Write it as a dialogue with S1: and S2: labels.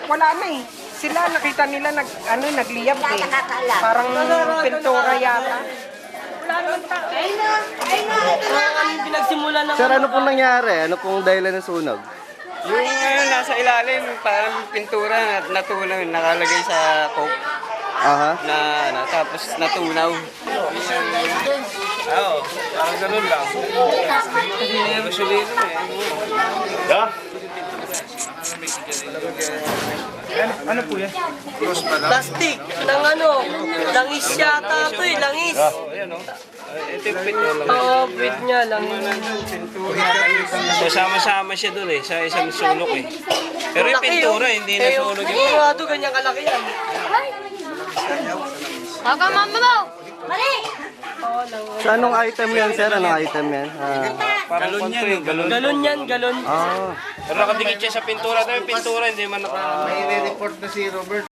S1: wala na eh. Sila nakita nila nagliyab eh. Parang pintura yata.
S2: Pinagsimula na.
S3: Sir, ano pong nangyari? Ano pong dahilan ng sunog?
S4: Yung nasa ilalim, parang pintura natunaw, nakalagay sa coke
S3: Aha.
S4: tapos natunaw. Oo, parang ganun lang. Hindi na gasolina eh.
S5: Ano po yan?
S2: Plastic. Ng langis yata ito eh, langis.
S4: Ayan o. Ito yung pin niya lang.
S2: Oo, bit niya, langis.
S4: So, sama-sama siya dun eh, sa isang sulok eh. Pero yung pintura, hindi na sulok yung
S2: Oo, ito ganyan kalaki yan.
S6: Baka mama mo! Mali!
S3: So, anong item yan, sir? Anong item yan?
S4: parang konto yung galon.
S2: Galon yan, galon.
S3: Ah.
S4: Pero nakadikit siya sa pintura. Ito yung pintura, hindi man naka...
S5: May report na si Robert.